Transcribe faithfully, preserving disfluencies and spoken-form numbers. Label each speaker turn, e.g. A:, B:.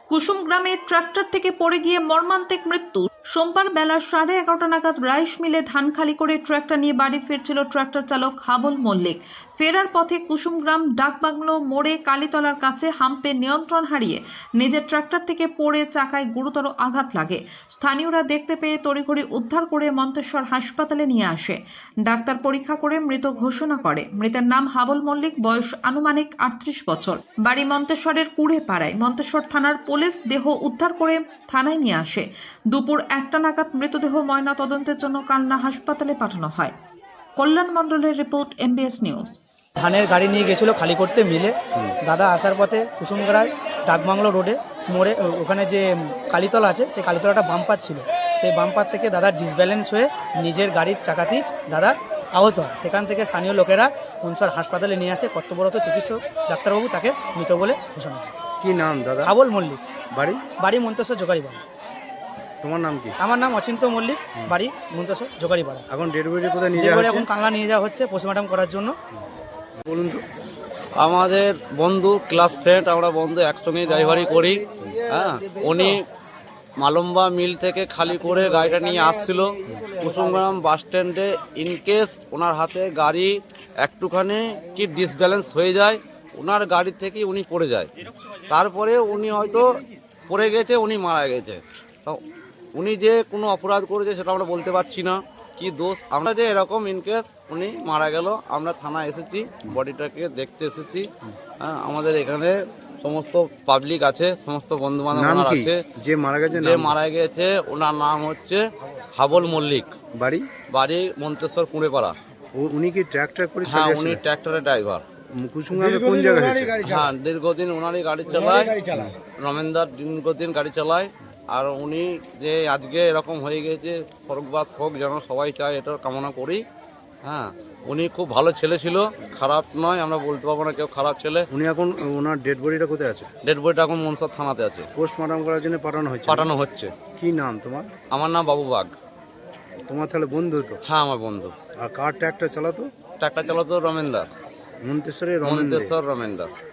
A: কুসুম গ্রামে ট্রাক্টর থেকে পড়ে গিয়ে মর্মান্তিক মৃত্যু। সোমবার বেলা সাড়ে এগারোটা নাগাদ রাইস মিলে ধান খালি করে ট্রাক্টর নিয়ে বাড়ি ফিরছিল ট্রাক্টর চালক হাবল মল্লিক। ফেরার পথে কুসুমগ্রাম ডাকবাংলো মোড়ে কালীতলার কাছে হাম্পে নিয়ন্ত্রণ হারিয়ে নিজের ট্রাক্টর থেকে পড়ে চাকায় গুরুতর আঘাত লাগে। স্থানীয়রা দেখতে পেয়ে তড়িঘড়ি উদ্ধার করে মন্তেশ্বর হাসপাতালে নিয়ে আসে। ডাক্তার পরীক্ষা করে মৃত ঘোষণা করে। মৃতের নাম হাবল মল্লিক, বয়স আনুমানিক আটত্রিশ বছর, বাড়ি মন্তেশ্বরের কুড়ে পাড়ায়। মন্তেশ্বর থানার পুলিশ দেহ উদ্ধার করে থানায় নিয়ে আসে। দুপুর একটা নাগাদ মৃতদেহ ময়না তদন্তের জন্য কালনা হাসপাতালে পাঠানো হয়। কল্যাণ মণ্ডলের রিপোর্ট, এমবিএস নিউজ।
B: ধানের গাড়ি নিয়ে গেছিলো খালি করতে মিলে। দাদা আসার পথে কুসুমগ্রায় ডাকবাংলো রোডে মোড়ে ওখানে যে কালীতলা আছে সেই কালীতলাটা বাম্পার ছিল, সেই বাম্পার থেকে দাদা ডিসব্যালেন্স হয়ে নিজের গাড়ির চাকাতেই দাদা আহত হয়। সেখান থেকে স্থানীয় লোকেরা মনসর হাসপাতালে নিয়ে আসে। কর্তব্যরত চিকিৎসক ডাক্তারবাবু তাকে মৃত বলে ঘোষণা করে।
C: কি নাম দাদা?
B: হাবল মল্লিক।
C: বাড়ি?
B: বাড়ি মন্তেশ্বর জোগাড়িপাড়া।
C: তোমার নাম কি?
B: আমার নাম অচিন্ত মল্লিক, বাড়ি মন্তেশ্বর জোগাড়িপাড়া।
C: এখন ডেড বডি কোথায় নিয়ে যাওয়া হচ্ছে?
B: এখন কালনা নিয়ে যাওয়া হচ্ছে পোস্টমর্টম করার জন্য।
C: বলুন তো।
D: আমাদের বন্ধু, ক্লাস ফ্রেন্ড, আমরা বন্ধু একসঙ্গে ড্রাইভারি করি। হ্যাঁ, উনি মালম্বা মিল থেকে খালি করে গাড়িটা নিয়ে আসছিল কুসুমগ্রাম বাস স্ট্যান্ডে। ইনকেস ওনার হাতে গাড়ি একটুখানি কি ডিসব্যালেন্স হয়ে যায়, ওনার গাড়ি থেকে উনি পড়ে যায়। তারপরে উনি হয়তো পড়ে গেছে, উনি মারা গেছে। তো উনি যে কোনো অপরাধ করেছে সেটা আমরা বলতে পারছি না কি দোষ। আমরা যে এরকম ইনকেস উনি মারা গেল, আমরা থানা এসেছি, বডিটাকে দেখতে এসেছি। হ্যাঁ, আমাদের এখানে সমস্ত পাবলিক আছে, সমস্ত বন্ধু বান্ধব আছে।
C: যে মারা গেছে
D: যে মারা গেছে ওনার নাম হচ্ছে হাবল মল্লিক।
C: বাড়ি?
D: বাড়ি মন্তেশ্বর কুঁড়েপাড়া।
C: উনি কি ট্রাক্টর করে
D: হ্যাঁ,
C: চালিয়েছেন?
D: উনি ট্রাক্টরের ড্রাইভার।
C: কুসুমগ্রামে কোন জায়গায় হয়েছে?
D: হ্যাঁ, দীর্ঘদিন ওনারই গাড়ি চালায়, রমেনদার দীর্ঘদিন গাড়ি চালায়। আর উনি যে আজকে এরকম হয়ে গেছে, স্বর্গবাস হোক যেন সবাই চায়, এটা কামনা করি। হ্যাঁ, উনি খুব ভালো ছেলে ছিল, খারাপ নয়, আমরা বলতে পারবো না কেউ খারাপ ছেলে।
C: উনি এখন ওনার ডেড বডিটা কোথায় আছে?
D: ডেড বডিটা এখন মনসর থানাতে আছে,
C: পোস্টমর্টম করার জন্য পাঠানো হয়েছে।
D: পাঠানো হচ্ছে।
C: কি নাম তোমার?
D: আমার নাম বাবু বাগ।
C: তোমার তাহলে বন্ধু তো?
D: হ্যাঁ, আমার বন্ধু।
C: আর কার ট্রাক্টর চালাতো?
D: ট্রাক্টর চালাতো রমেনদার,
C: মন্তেশ্বরে?
D: মন্তেশ্বর রমেনদার।